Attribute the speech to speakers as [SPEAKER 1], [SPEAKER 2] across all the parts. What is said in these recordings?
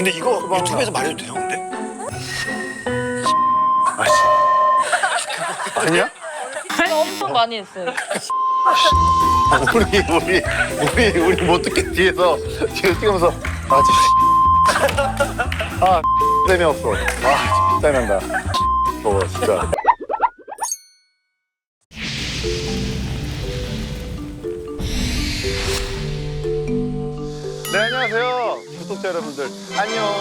[SPEAKER 1] 근데 이거 유튜브에서 말해도 돼요, 근데?
[SPEAKER 2] 아씨. 아니야?
[SPEAKER 3] 엄청 많이 했어요.
[SPEAKER 2] 우리 못 듣게 뒤에서 뛰면서 아 재미없어. 아 짜증난다. 진짜. 네 안녕하세요 구독자 여러분들 안녕.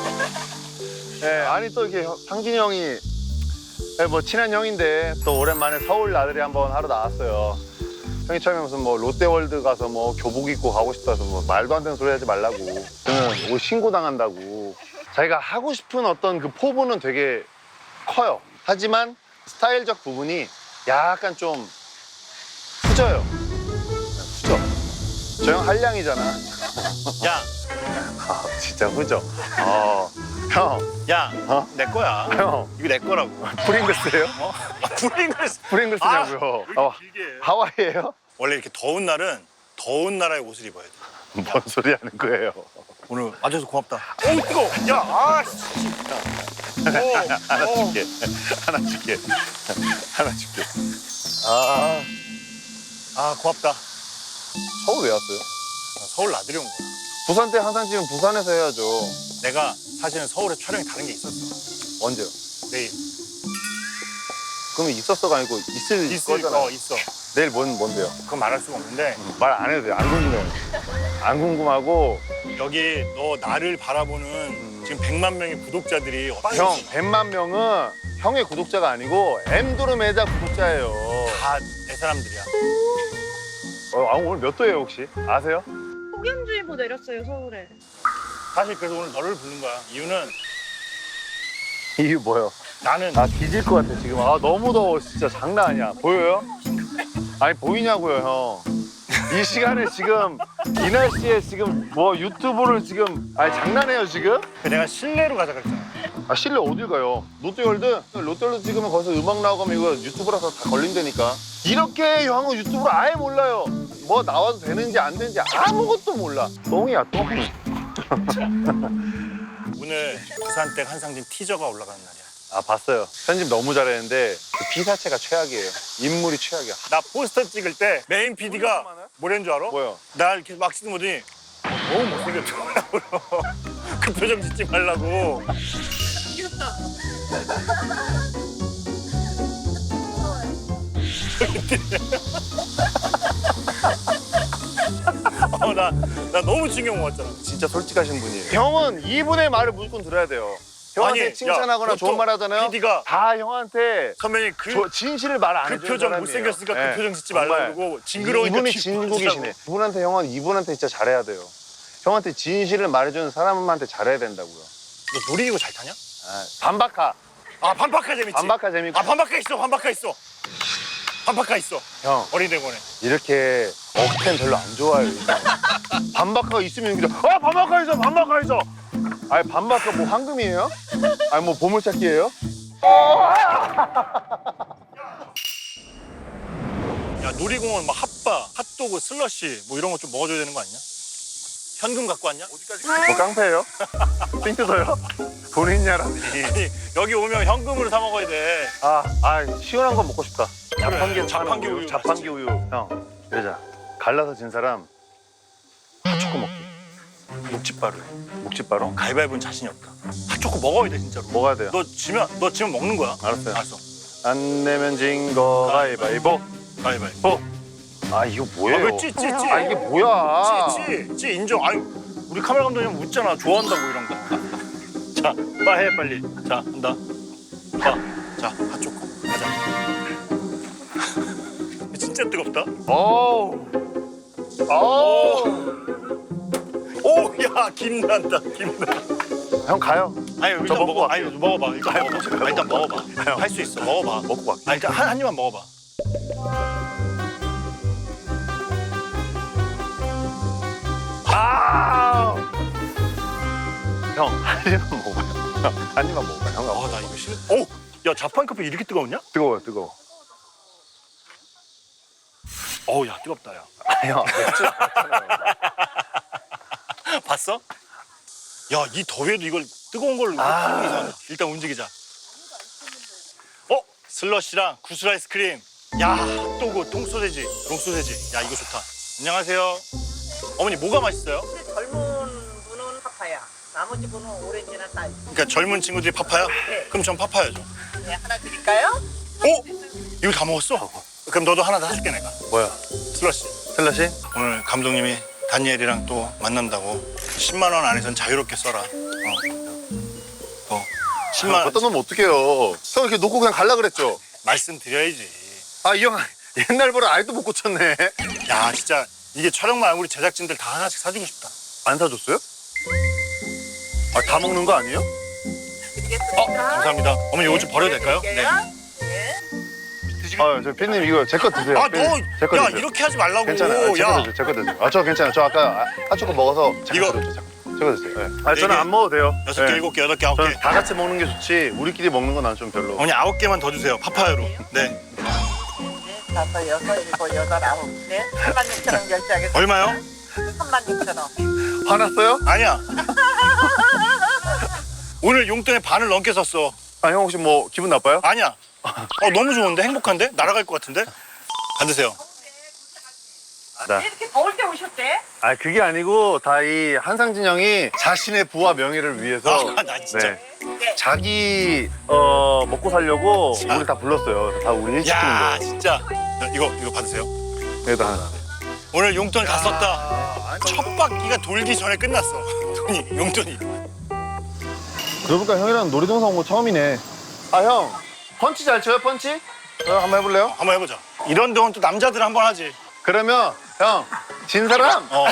[SPEAKER 2] 네 아니 또 이렇게 상진이 형이 뭐 친한 형인데 또 오랜만에 서울 나들이 한번 하러 나왔어요. 형이 처음에 무슨 뭐 롯데월드 가서 뭐 교복 입고 가고 싶다서 뭐 말도 안 되는 소리 하지 말라고. 저는 옷 신고 당한다고. 자기가 하고 싶은 어떤 그 포부는 되게 커요. 하지만 스타일적 부분이 약간 좀 후져요. 후져. 저 형 한량이잖아.
[SPEAKER 1] 야,
[SPEAKER 2] 아 진짜 후져. 형.
[SPEAKER 1] 야,
[SPEAKER 2] 어?
[SPEAKER 1] 내 거야.
[SPEAKER 2] 형.
[SPEAKER 1] 이거 내 거라고.
[SPEAKER 2] 프링글스예요?
[SPEAKER 1] 어? 프링글스.
[SPEAKER 2] 프링글스냐고요.
[SPEAKER 1] 왜 이렇게 길게 해?
[SPEAKER 2] 하와이예요?
[SPEAKER 1] 원래 이렇게 더운 날은 더운 나라의 옷을 입어야 돼.
[SPEAKER 2] 뭔 소리 하는 거예요?
[SPEAKER 1] 오늘 와줘서 고맙다. 오, 뜨거워. 야, 아, 씨.
[SPEAKER 2] 하나 줄게. 하나 줄게. 하나 줄게. 아,
[SPEAKER 1] 아, 고맙다.
[SPEAKER 2] 서울 왜 왔어요?
[SPEAKER 1] 나 서울 나들이 온 거야.
[SPEAKER 2] 부산 때 항상 지금 부산에서 해야죠.
[SPEAKER 1] 내가 사실은 서울에 촬영이 다른 게 있었어.
[SPEAKER 2] 언제요?
[SPEAKER 1] 내일.
[SPEAKER 2] 그러면 있었어가 아니고 있을 거잖아요.
[SPEAKER 1] 있어.
[SPEAKER 2] 내일 뭔데요?
[SPEAKER 1] 그건 말할 수가 없는데
[SPEAKER 2] 말 안 해도 돼요. 안 궁금해요. 안 궁금하고.
[SPEAKER 1] 여기 너 나를 바라보는 지금 100만 명의 구독자들이
[SPEAKER 2] 형, 100만 명은 형의 구독자가 아니고 엠드로메다 구독자예요.
[SPEAKER 1] 다 내 사람들이야.
[SPEAKER 2] 오늘 몇 도예요 혹시? 아세요?
[SPEAKER 3] 폭염주의보 내렸어요, 서울에.
[SPEAKER 1] 사실 그래서 오늘 너를 부른 거야. 이유는
[SPEAKER 2] 이게 뭐예요?
[SPEAKER 1] 나는
[SPEAKER 2] 아 뒤질 것 같아 지금. 아 너무 더워 진짜 장난 아니야. 보여요? 아니 보이냐고요 형. 이 시간에 지금 이 날씨에 지금 뭐 유튜브를 지금 아니 장난해요 지금?
[SPEAKER 1] 내가 실내로 가자 그랬잖아.
[SPEAKER 2] 아 실내 어딜 가요? 롯데월드 찍으면 거기서 음악 나오면 이거 유튜브라서 다 걸린다니까. 이렇게 형은 유튜브를 아예 몰라요. 뭐 나와도 되는지 안 되는지 아무것도 몰라. 똥이야 똥.
[SPEAKER 1] 오늘 부산댁 한상진 티저가 올라가는 날이야.
[SPEAKER 2] 아 봤어요. 편집 너무 잘했는데 그 피사체가 최악이에요. 인물이 최악이야.
[SPEAKER 1] 나 포스터 찍을 때 메인 PD가 뭐라는 줄 알아?
[SPEAKER 2] 뭐요?
[SPEAKER 1] 나 이렇게 막 찍은 거더니 너무 못생겼더라고. 그 표정 짓지 말라고.
[SPEAKER 3] 귀엽다.
[SPEAKER 1] 나 너무 충격 먹었잖아.
[SPEAKER 2] 진짜 솔직하신 분이에요. 형은 이분의 말을 무조건 들어야 돼요. 형한테
[SPEAKER 1] 아니,
[SPEAKER 2] 칭찬하거나
[SPEAKER 1] 야,
[SPEAKER 2] 좋은 말 하잖아요.
[SPEAKER 1] PD가
[SPEAKER 2] 다 형한테
[SPEAKER 1] 선배님
[SPEAKER 2] 진실을 말 안
[SPEAKER 1] 그
[SPEAKER 2] 해주는
[SPEAKER 1] 표정
[SPEAKER 2] 사람이에요.
[SPEAKER 1] 못생겼으니까
[SPEAKER 2] 네.
[SPEAKER 1] 그 표정 짓지 말라고
[SPEAKER 2] 정말.
[SPEAKER 1] 그러고 징그러우니까
[SPEAKER 2] 이분이
[SPEAKER 1] 뒤
[SPEAKER 2] 진국이시네.
[SPEAKER 1] 보시라고.
[SPEAKER 2] 이분한테 형은 이분한테 진짜 잘해야 돼요. 형한테 진실을 말해주는 사람한테 잘해야 된다고요.
[SPEAKER 1] 너 놀이기구 잘 타냐?
[SPEAKER 2] 반박하.
[SPEAKER 1] 아 반박하 재밌지.
[SPEAKER 2] 반박하 재밌고.
[SPEAKER 1] 아 반박하 있어. 반박하 있어. 반박하 있어.
[SPEAKER 2] 형
[SPEAKER 1] 어린이대공원에.
[SPEAKER 2] 이렇게 억텐 별로 안 좋아요. 반박하 있으면 그냥 반박하 있어 반박하 있어. 아니 반박하 뭐 황금이에요? 아니 뭐 보물찾기예요?
[SPEAKER 1] 야 놀이공원 막 핫바, 핫도그, 슬러시 뭐 이런 거 좀 먹어줘야 되는 거 아니냐? 현금 갖고 왔냐?
[SPEAKER 2] 뭐 깡패예요? 삥 뜯어요? 돈 있냐라니.
[SPEAKER 1] 아니 여기 오면 현금으로 사 먹어야 돼.
[SPEAKER 2] 시원한 거 먹고 싶다.
[SPEAKER 1] 자판기 우유
[SPEAKER 2] 자판기 우유. 형, 이러자. 갈라서 진 사람 핫초코 먹기.
[SPEAKER 1] 묵집바로 해.
[SPEAKER 2] 묵집바로?
[SPEAKER 1] 가위바위보는 자신이 없다. 핫초코 먹어야 돼 진짜로.
[SPEAKER 2] 먹어야 돼요.
[SPEAKER 1] 너 지면 먹는 거야.
[SPEAKER 2] 알았어요.
[SPEAKER 1] 알았어.
[SPEAKER 2] 안 내면 진 거 가위바위보.
[SPEAKER 1] 가위바위보.
[SPEAKER 2] 이거 뭐예요?
[SPEAKER 1] 왜 찌?
[SPEAKER 2] 이게 뭐야?
[SPEAKER 1] 찌 인정. 아니 우리 카메라 감독님 웃잖아. 좋아한다고 이런 거. 자, 해 빨리. 자, 한다. 자, 핫초코. 가자. 진짜 뜨겁다.
[SPEAKER 2] 어우.
[SPEAKER 1] 오, 야, 김난다. 김나.
[SPEAKER 2] 형 가요.
[SPEAKER 1] 아니, 일단
[SPEAKER 2] 저 먹고
[SPEAKER 1] 먹어.
[SPEAKER 2] 갈게요.
[SPEAKER 1] 아니, 먹어봐. 일단 먹어봐. 일단 먹어봐. 할 수 있어. 먹어봐.
[SPEAKER 2] 먹고 갈게.
[SPEAKER 1] 아니, 일단 한 입만 먹어봐.
[SPEAKER 2] 형, 한 입만 먹어봐요. 한 입만 먹어봐요. 형,
[SPEAKER 1] 아, 나 이거 싫어. 오, 야, 자판 커피 이렇게 뜨거웠냐?
[SPEAKER 2] 뜨거워요, 뜨거워.
[SPEAKER 1] 어우, 야, 뜨겁다, 야.
[SPEAKER 2] 형, 맥주
[SPEAKER 1] 봤어? 야, 이 더위에도 이걸 뜨거운 걸로 하는 게 이상하다. 일단 움직이자. 슬러시랑 구슬 아이스크림. 야, 핫도그, 똥소세지, 롱소세지. 야, 이거 좋다. 안녕하세요. 어머니, 뭐가 맛있어요?
[SPEAKER 4] 젊은 분은 파파야, 나머지 분은 오렌지나 딸기.
[SPEAKER 1] 그러니까 젊은 친구들이 파파야?
[SPEAKER 4] 네.
[SPEAKER 1] 그럼 전 파파야죠.
[SPEAKER 4] 네, 하나 드릴까요?
[SPEAKER 1] 이거 다 먹었어? 그럼 너도 하나 더 사줄게, 내가.
[SPEAKER 2] 뭐야?
[SPEAKER 1] 슬러시.
[SPEAKER 2] 슬러시?
[SPEAKER 1] 오늘 감독님이 다니엘이랑 또 만난다고 10만 원 안에선 자유롭게 써라. 10만 원
[SPEAKER 2] 어떤 놈 어떡해요. 형 이렇게 놓고 그냥 갈라 그랬죠?
[SPEAKER 1] 말씀드려야지.
[SPEAKER 2] 아, 이 형 옛날보다 아직도 못 고쳤네.
[SPEAKER 1] 야, 진짜 이게 촬영만 우리 제작진들 다 하나씩 사주고 싶다.
[SPEAKER 2] 안 사줬어요? 아, 다 먹는 거 아니에요?
[SPEAKER 4] 드리겠습니다.
[SPEAKER 1] 감사합니다. 어머니 이거 좀 버려도 될까요? 네.
[SPEAKER 4] 네.
[SPEAKER 2] 아, 저 팬님 이거 제 거 드세요.
[SPEAKER 1] 아,
[SPEAKER 2] 팬님, 제거
[SPEAKER 1] 야,
[SPEAKER 2] 드세요.
[SPEAKER 1] 이렇게 하지 말라고.
[SPEAKER 2] 괜찮아요. 제 거
[SPEAKER 1] 야,
[SPEAKER 2] 드세요. 제 거 드세요. 아, 저 괜찮아요. 저 아까 핫초코 먹어서
[SPEAKER 1] 이거-
[SPEAKER 2] 제거 드세요. 제거 드세요. 네. 아,
[SPEAKER 1] 네
[SPEAKER 2] 저는
[SPEAKER 1] 개.
[SPEAKER 2] 안 먹어도 돼요.
[SPEAKER 1] 6개,
[SPEAKER 2] 네.
[SPEAKER 1] 7개, 8개, 9개.
[SPEAKER 2] 저는 다 같이 먹는 게 좋지. 우리끼리 먹는 건 난 좀 별로.
[SPEAKER 1] 어머니 9개만 더 주세요. 파파야로. 네.
[SPEAKER 4] 네, 5, 6, 7, 8, 9. 네, 36,000원 결제하겠습니다.
[SPEAKER 1] 얼마요?
[SPEAKER 4] 36,000원.
[SPEAKER 2] 화났어요?
[SPEAKER 1] 아니야. 오늘 용돈의 반을 넘게 썼어.
[SPEAKER 2] 아, 형 혹시 뭐 기분 나빠요?
[SPEAKER 1] 아니야. 너무 좋은데? 행복한데? 날아갈 것 같은데? 받으세요.
[SPEAKER 2] 네.
[SPEAKER 4] 이렇게 더울 때 오셨대?
[SPEAKER 2] 아, 그게 아니고 다 이 한상진 형이 자신의 부와 명예를 위해서
[SPEAKER 1] 아, 나 진짜.
[SPEAKER 2] 자기 먹고 살려고 우리 다 불렀어요. 다 우리 일 시키는
[SPEAKER 1] 야,
[SPEAKER 2] 거.
[SPEAKER 1] 진짜. 야, 이거 받으세요.
[SPEAKER 2] 여기다 하나.
[SPEAKER 1] 오늘 용돈 다 썼다. 첫 바퀴가 돌기 전에 끝났어. 돈이, 용돈이.
[SPEAKER 2] 그러니까 형이랑 놀이동산 온 거 처음이네. 아, 형 펀치 잘 쳐요? 펀치? 한번 해볼래요?
[SPEAKER 1] 한번 해보자. 이런 동안 또 남자들 한번 하지.
[SPEAKER 2] 그러면 형 진 사람
[SPEAKER 1] 어.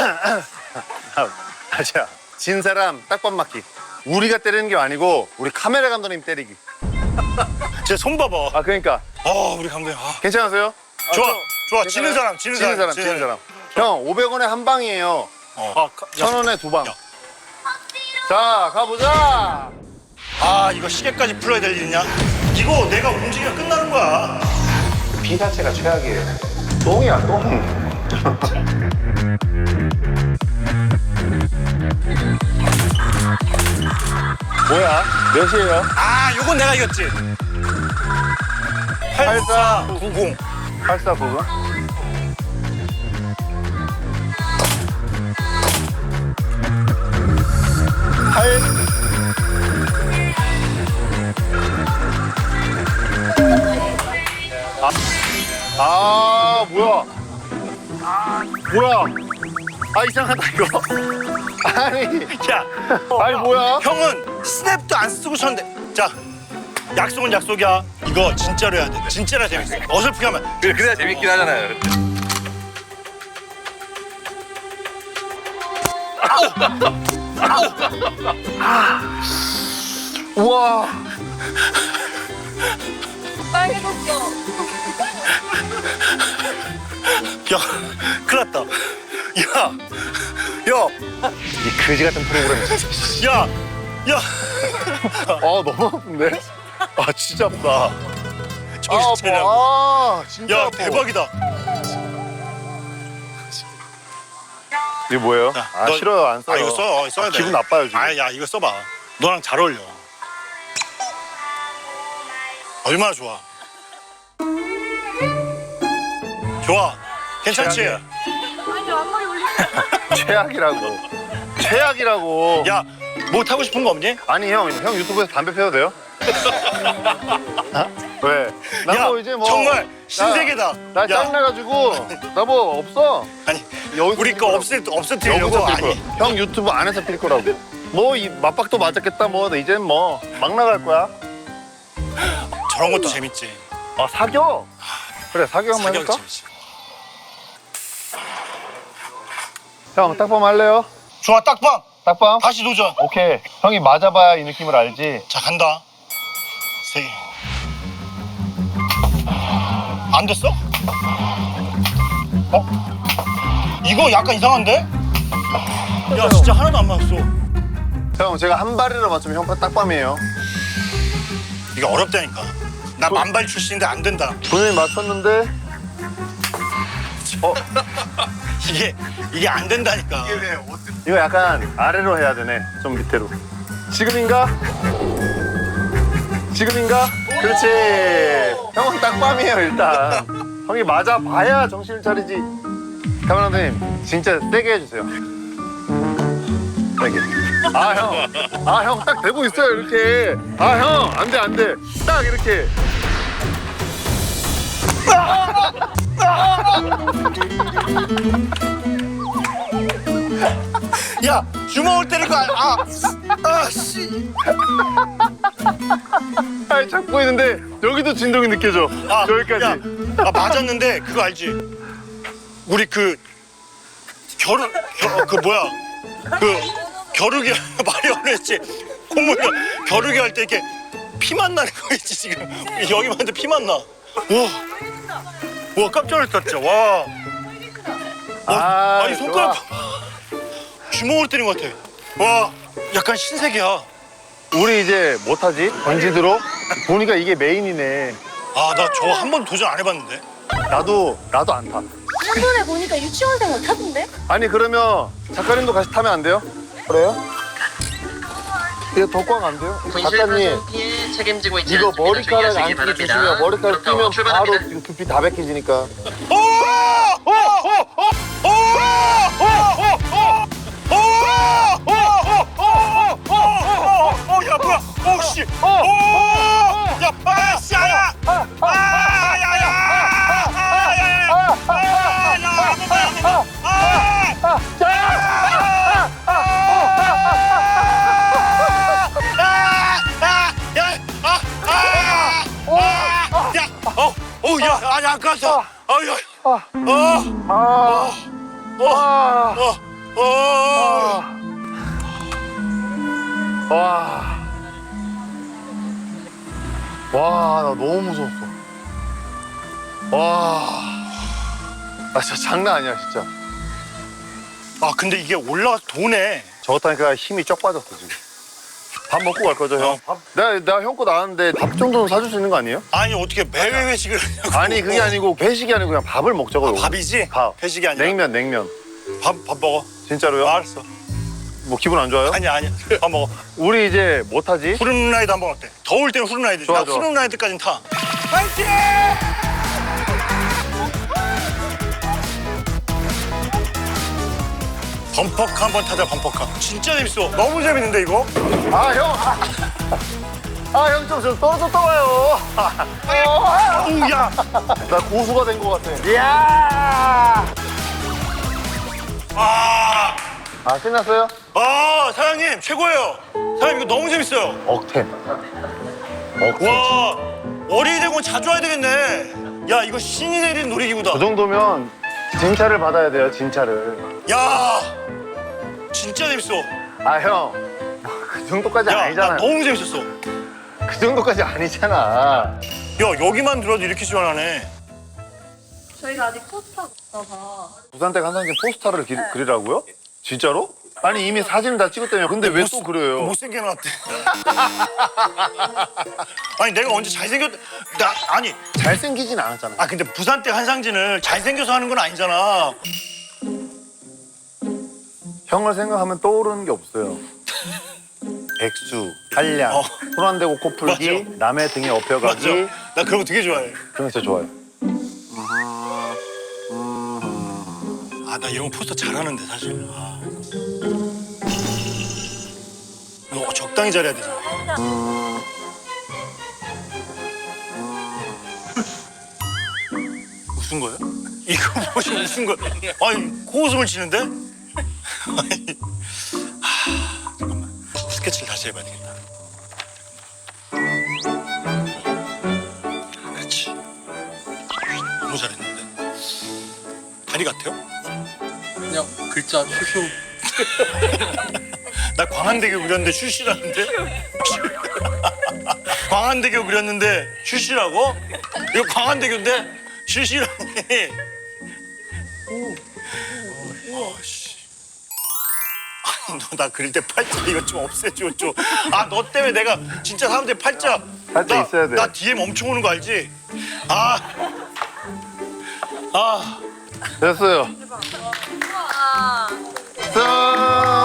[SPEAKER 2] 자, 진 사람 딱밤 맞기. 우리가 때리는 게 아니고 우리 카메라 감독님 때리기.
[SPEAKER 1] 제 손 봐봐.
[SPEAKER 2] 아, 그러니까
[SPEAKER 1] 우리 감독님.
[SPEAKER 2] 괜찮으세요?
[SPEAKER 1] 좋아,
[SPEAKER 2] 저-
[SPEAKER 1] 좋아.
[SPEAKER 2] 괜찮아요?
[SPEAKER 1] 지는 사람, 지는 사람.
[SPEAKER 2] 지는 사람. 형 500원에 한 방이에요. 1,000원에 두 방. 자, 가보자.
[SPEAKER 1] 이거 시계까지 풀어야 될 일이냐? 이거 내가 움직이면 끝나는 거야.
[SPEAKER 2] 비 자체가 최악이에요. 똥이야, 똥. 뭐야? 몇이에요?
[SPEAKER 1] 요건 내가 이겼지. 8490.
[SPEAKER 2] 8499? 뭐야? 뭐야? 이상하다 이거. 아니,
[SPEAKER 1] 야,
[SPEAKER 2] 아니 뭐야?
[SPEAKER 1] 형은 스냅도 안 쓰고 쳤는데. 자, 약속은 약속이야. 이거 진짜로 해야 돼. 진짜로 재밌어. 어설프게 하면.
[SPEAKER 5] 그래야 재밌긴 하잖아요.
[SPEAKER 2] 우와.
[SPEAKER 3] 빨개졌어.
[SPEAKER 1] 야, 큰일 났다. 야,
[SPEAKER 2] 이 그지 같은 프로그램.
[SPEAKER 1] 야, 야.
[SPEAKER 2] 너무 아픈데? 진짜 아프다.
[SPEAKER 1] 정신 차리라고.
[SPEAKER 2] 진짜
[SPEAKER 1] 야,
[SPEAKER 2] 아파.
[SPEAKER 1] 대박이다.
[SPEAKER 2] 이게 뭐예요?
[SPEAKER 1] 자, 너-
[SPEAKER 2] 싫어요, 안 써요.
[SPEAKER 1] 이거 써야 돼.
[SPEAKER 2] 기분 나빠요 지금.
[SPEAKER 1] 야, 이거 써봐. 너랑 잘 어울려. 얼마나 좋아. 좋아. 괜찮지?
[SPEAKER 2] 최악이야.
[SPEAKER 3] 아니 앞머리 올리.
[SPEAKER 2] 최악이라고. 최악이라고.
[SPEAKER 1] 야, 뭐 타고 싶은 거 없니?
[SPEAKER 2] 아니 형 유튜브에서 담배 피워도 돼요? 왜? 나
[SPEAKER 1] 야,
[SPEAKER 2] 뭐 이제 뭐
[SPEAKER 1] 정말 신세계다.
[SPEAKER 2] 나
[SPEAKER 1] 야,
[SPEAKER 2] 짜증나가지고 나 뭐 없어.
[SPEAKER 1] 아니,
[SPEAKER 2] 여기서
[SPEAKER 1] 우리
[SPEAKER 2] 필
[SPEAKER 1] 거
[SPEAKER 2] 거라고.
[SPEAKER 1] 없애뜨리려고.
[SPEAKER 2] 여기서 필
[SPEAKER 1] 아니,
[SPEAKER 2] 거야. 형 유튜브 안에서 필 거라고. 뭐 이 맞박도 맞았겠다. 뭐 이제 뭐 막 나갈 거야.
[SPEAKER 1] 저런 것도 재밌지.
[SPEAKER 2] 사겨. 그래 사겨 한번
[SPEAKER 1] 사격이
[SPEAKER 2] 해볼까?
[SPEAKER 1] 재밌지.
[SPEAKER 2] 형 딱밤 할래요?
[SPEAKER 1] 좋아, 딱밤.
[SPEAKER 2] 딱밤?
[SPEAKER 1] 다시 도전.
[SPEAKER 2] 오케이. 형이 맞아봐야 이 느낌을 알지.
[SPEAKER 1] 자, 간다. 3개. 안 됐어? 이거 약간 이상한데? 야, 진짜 하나도 안 맞았어.
[SPEAKER 2] 형 제가 한 발이라 맞추면 형 딱밤이에요.
[SPEAKER 1] 이게 어렵다니까. 나 만발 출신인데 안 된다.
[SPEAKER 2] 본인이 맞췄는데
[SPEAKER 1] 이게 안 된다니까.
[SPEAKER 2] 왜 어떻게 이거 약간 아래로 해야 되네. 좀 밑으로. 지금인가? 지금인가? 그렇지. 형은 딱 빰이에요 일단. 형이 맞아 봐야 정신을 차리지. 카메라 감독님 진짜 세게 해주세요. 세게. 아 형 딱 되고 있어요 이렇게. 아 형 안돼 안돼. 딱 이렇게.
[SPEAKER 1] 야 주먹을 때릴 거 아씨.
[SPEAKER 2] 아 잡고 있는데 여기도 진동이 느껴져. 여기까지.
[SPEAKER 1] 야, 맞았는데 그거 알지? 우리 그 겨루기 말이 어렵지. 콧물 겨루기 할 때 이렇게 피만 나는 거 있지 지금. 여기 봤는데 피만 나. 와 깜짝 놀랐다 진짜. 와. 아니 손가락
[SPEAKER 2] 좋아.
[SPEAKER 1] 주먹을 때린 것 같아. 와 약간 신세계야.
[SPEAKER 2] 우리 이제 못하지? 던지드로? 보니까 이게 메인이네.
[SPEAKER 1] 아 나 저거 한 번도 도전 안 해봤는데.
[SPEAKER 2] 나도 안 타.
[SPEAKER 3] 한번에 보니까 유치원생 못 타던데?
[SPEAKER 2] 아니 그러면 작가님도 같이 타면 안 돼요? 그래요? 이거 더 꽉 안 돼요? 작가님
[SPEAKER 5] 피해 책임지고 있지
[SPEAKER 2] 이거
[SPEAKER 5] 않습니다.
[SPEAKER 2] 머리카락
[SPEAKER 5] 주의하시기
[SPEAKER 2] 안 끼게
[SPEAKER 5] 바랍니다.
[SPEAKER 2] 조심해요. 머리카락
[SPEAKER 5] 그렇다고
[SPEAKER 2] 끼면 바로
[SPEAKER 5] 출발합니다.
[SPEAKER 2] 지금 두피 다 벗겨지니까.
[SPEAKER 1] 야 뭐야? 오씨. 야 빠씨 야. 아니 안 갔어.
[SPEAKER 2] 와, 나 너무 무서웠어. 와, 나 진짜 장난 아니야, 진짜.
[SPEAKER 1] 아 근데 이게 올라가 도네.
[SPEAKER 2] 저거 타니까 힘이 쩍 빠졌어, 지금. 밥 먹고 갈 거죠, 형? 내가 형 거 나왔는데 밥 정도는 사줄 수 있는 거 아니에요?
[SPEAKER 1] 아니 어떻게 매회 회식을 하냐고.
[SPEAKER 2] 아니, 그게 아니고 배식이 아니고 그냥 밥을 먹자고요.
[SPEAKER 1] 밥이지?
[SPEAKER 2] 밥.
[SPEAKER 1] 회식이 아니라.
[SPEAKER 2] 냉면.
[SPEAKER 1] 밥 먹어.
[SPEAKER 2] 진짜로요?
[SPEAKER 1] 알았어.
[SPEAKER 2] 뭐 기분 안 좋아요?
[SPEAKER 1] 아니야. 밥 먹어.
[SPEAKER 2] 우리 이제 뭐 타지?
[SPEAKER 1] 후른라이드 한번 어때? 더울 때는 후른라이드.
[SPEAKER 2] 좋아,
[SPEAKER 1] 나
[SPEAKER 2] 좋아.
[SPEAKER 1] 후른라이드까지는 타. 파이팅! 범퍼카 한번 타자 범퍼카. 진짜 재밌어. 너무 재밌는데 이거?
[SPEAKER 2] 아, 형! 형 좀 떨어졌다 와요.
[SPEAKER 1] 어우 야.
[SPEAKER 2] 나 고수가 된 거 같아. 이야!
[SPEAKER 1] 아.
[SPEAKER 2] 신났어요?
[SPEAKER 1] 사장님 최고예요. 사장님 이거 너무 재밌어요.
[SPEAKER 2] 억텐.
[SPEAKER 1] 와 어린이대공원 자주 와야 되겠네. 야 이거 신이 내린 놀이기구다.
[SPEAKER 2] 그 정도면 진짜를 받아야 돼요, 진짜를.
[SPEAKER 1] 야 진짜 재밌어.
[SPEAKER 2] 형. 그 정도까지
[SPEAKER 1] 야 나
[SPEAKER 2] 아니잖아요.
[SPEAKER 1] 너무 재밌었어.
[SPEAKER 2] 그 정도까지 아니잖아.
[SPEAKER 1] 야 여기만 들어도 이렇게 시원하네.
[SPEAKER 3] 저희가 아직 포스터가 없어서
[SPEAKER 2] 부산댁 한상진 포스터를 그리라고요? 진짜로? 아니 이미 사진을 다 찍었다며. 근데 왜 또 그래요?
[SPEAKER 1] 못생겨 놨대. 아니 내가 언제 잘생겼... 아니
[SPEAKER 2] 잘생기진 않았잖아.
[SPEAKER 1] 근데 부산댁 한상진을 잘생겨서 하는 건 아니잖아.
[SPEAKER 2] 형을 생각하면 떠오르는 게 없어요. 백수, 한량, 손 안 대고 코 풀기,
[SPEAKER 1] 맞아.
[SPEAKER 2] 남의 등에
[SPEAKER 1] 맞아.
[SPEAKER 2] 업혀가기.
[SPEAKER 1] 나 그런 거 되게 좋아해.
[SPEAKER 2] 그런 거 진짜 좋아요.
[SPEAKER 1] 나 이런 거 포스터 잘하는데 사실. 이거 적당히 잘해야 되잖아. 웃은 거예요? 이거 뭐지 웃은 거야? 아니 코웃음을 치는데? 아니, 잠깐만 스케치를 다시 해봐야 되겠다. 그렇지. 너무 잘했는데. 다리 같아요?
[SPEAKER 5] 그냥 글자 슈슈.
[SPEAKER 1] 나 광안대교 그렸는데 슈시라는데? 광안대교 그렸는데 슈시라고? 이거 광안대교인데 슈시라니. 우와 씨. 아니 너 나 그릴 때 팔자 이거 좀 없애줘 좀. 너 때문에 내가 진짜 사람들이 팔자.
[SPEAKER 2] 팔자 있어야 돼.
[SPEAKER 1] 나 DM 엄청 오는 거 알지?
[SPEAKER 2] 됐어요. 짠!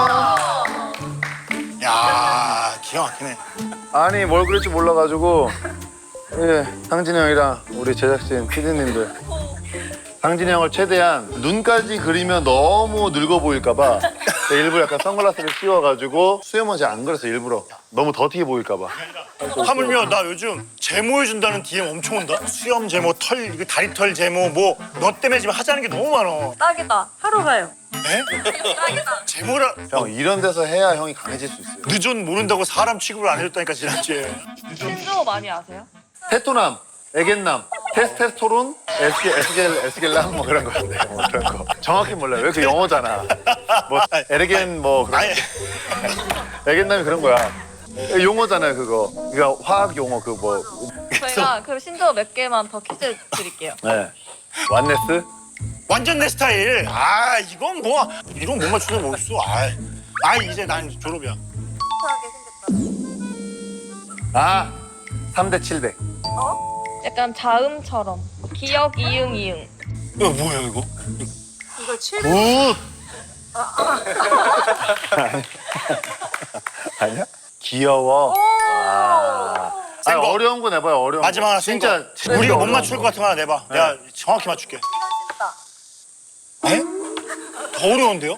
[SPEAKER 1] 기가 막히네.
[SPEAKER 2] 아니 뭘 그럴지 몰라가지고 예, 상진이 형이랑 우리 제작진 PD님들 상진이 형을 최대한 눈까지 그리면 너무 늙어 보일까봐 일부러 약간 선글라스를 씌워가지고 수염은 잘 안 그려서 일부러 너무 더티게 보일까봐.
[SPEAKER 1] 하물며 나 요즘 제모 해준다는 DM 엄청 온다. 수염 제모, 털, 이거 다리털 제모 뭐 너 때문에 지금 하자는 게 너무 많아.
[SPEAKER 3] 딱이다. 하러 가요.
[SPEAKER 1] 에? 제모라
[SPEAKER 2] 형 이런 데서 해야 형이 강해질 수 있어요.
[SPEAKER 1] 늦은 모른다고 사람 취급을 안 해줬다니까 지난주에.
[SPEAKER 3] 신조 많이 아세요?
[SPEAKER 2] 테토남, 에겐남, 테스테스토론, 에스겔람 뭐 그런 건데 뭐 그런 거 정확히 몰라요. 왜 그 영어잖아. 뭐 에르겐 뭐 그런
[SPEAKER 1] 아니
[SPEAKER 2] 에겐남이 그런 거야. 용어잖아요 그거. 그러니까 화학 용어 그 뭐.
[SPEAKER 3] 저희가 그 신조 몇 개만 더 퀴즈 드릴게요.
[SPEAKER 2] 네. 완네스?
[SPEAKER 1] 완전 내 스타일. 아 이건 뭐 이런 못 맞추는 뭐 있어. 아 이제 난 졸업이야.
[SPEAKER 2] 아 3대 700.
[SPEAKER 3] 약간 자음처럼. 기역, 이응, 이응.
[SPEAKER 1] 이거 뭐야 이거?
[SPEAKER 4] 이거 7
[SPEAKER 2] 굿! 아니야? 귀여워.
[SPEAKER 1] 센 거.
[SPEAKER 2] 어려운 거 내봐요. 어려운
[SPEAKER 1] 마지막
[SPEAKER 2] 거.
[SPEAKER 1] 하나 센
[SPEAKER 2] 진짜
[SPEAKER 1] 거. 우리가 못
[SPEAKER 2] 어려운
[SPEAKER 1] 맞출 것 같은 거 하나 내봐. 내가 정확히 맞출게. 에? 더 어려운데요?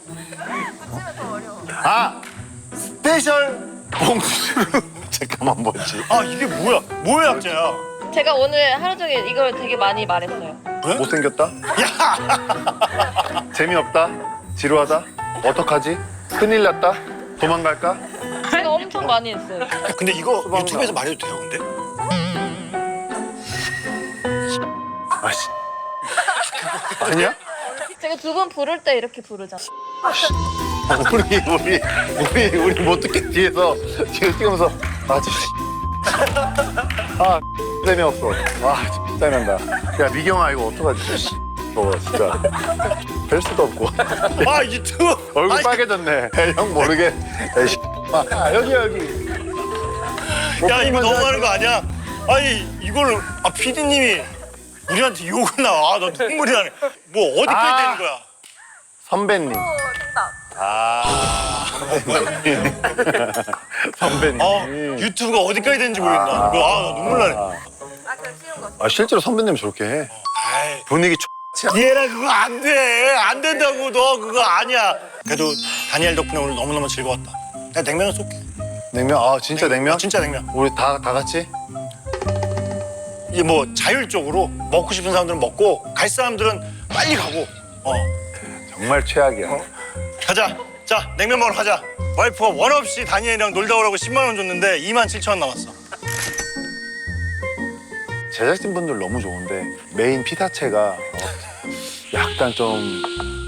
[SPEAKER 2] 아 스페셜 봉수루. 잠깐만 뭐지?
[SPEAKER 1] 아 이게 뭐야? 뭐의 약자야?
[SPEAKER 3] 제가 오늘 하루 종일 이걸 되게 많이 말했어요.
[SPEAKER 2] 못생겼다?
[SPEAKER 1] 야!
[SPEAKER 2] 재미없다? 지루하다? 어떡하지? 큰일 났다? 도망갈까?
[SPEAKER 3] 제가 엄청 많이 했어요.
[SPEAKER 1] 근데 이거
[SPEAKER 2] 수박
[SPEAKER 1] 유튜브에서 말해도 돼요, 근데?
[SPEAKER 2] 아씨. 아니야?
[SPEAKER 3] 제가 두 분 부를 때 이렇게 부르잖아요.
[SPEAKER 2] 우리 못 듣게 뒤에서 찍으면서 아 재미없어. 와 짜증난다. 야 미경아 이거 어떡하지? 저거 진짜 별 수도 없고
[SPEAKER 1] 아 유튜브!
[SPEAKER 2] 얼굴
[SPEAKER 1] 아니,
[SPEAKER 2] 빨개졌네. 형 모르게. 에이씨. 여기.
[SPEAKER 1] 야 이거 너무하는 거 아니야? 아니 이걸 PD님이 우리한테 욕을 나와. 나 눈물이 나네. 뭐 어디까지 되는 거야?
[SPEAKER 2] 선배님. 선배님.
[SPEAKER 1] 유튜브가 어디까지 되는지 모르겠나. 나 눈물 나네.
[SPEAKER 2] 아 실제로 선배님 저렇게 해.
[SPEAKER 1] 아이,
[SPEAKER 2] 분위기
[SPEAKER 1] 얘랑 그거 안 돼. 안 된다고. 너 그거 아니야. 그래도 다니엘 덕분에 오늘 너무너무 즐거웠다. 내가 냉면을 쏠게.
[SPEAKER 2] 냉면. 아 진짜 냉면?
[SPEAKER 1] 진짜 냉면.
[SPEAKER 2] 우리 다 같이?
[SPEAKER 1] 이게 뭐 자율적으로 먹고 싶은 사람들은 먹고 갈 사람들은 빨리 가고.
[SPEAKER 2] 정말 최악이야.
[SPEAKER 1] 가자. 자 냉면 먹으러 가자. 와이프가 원 없이 다니엘이랑 놀다 오라고 10만 원 줬는데 27,000원 남았어.
[SPEAKER 2] 제작진분들 너무 좋은데 메인 피사체가 약간 좀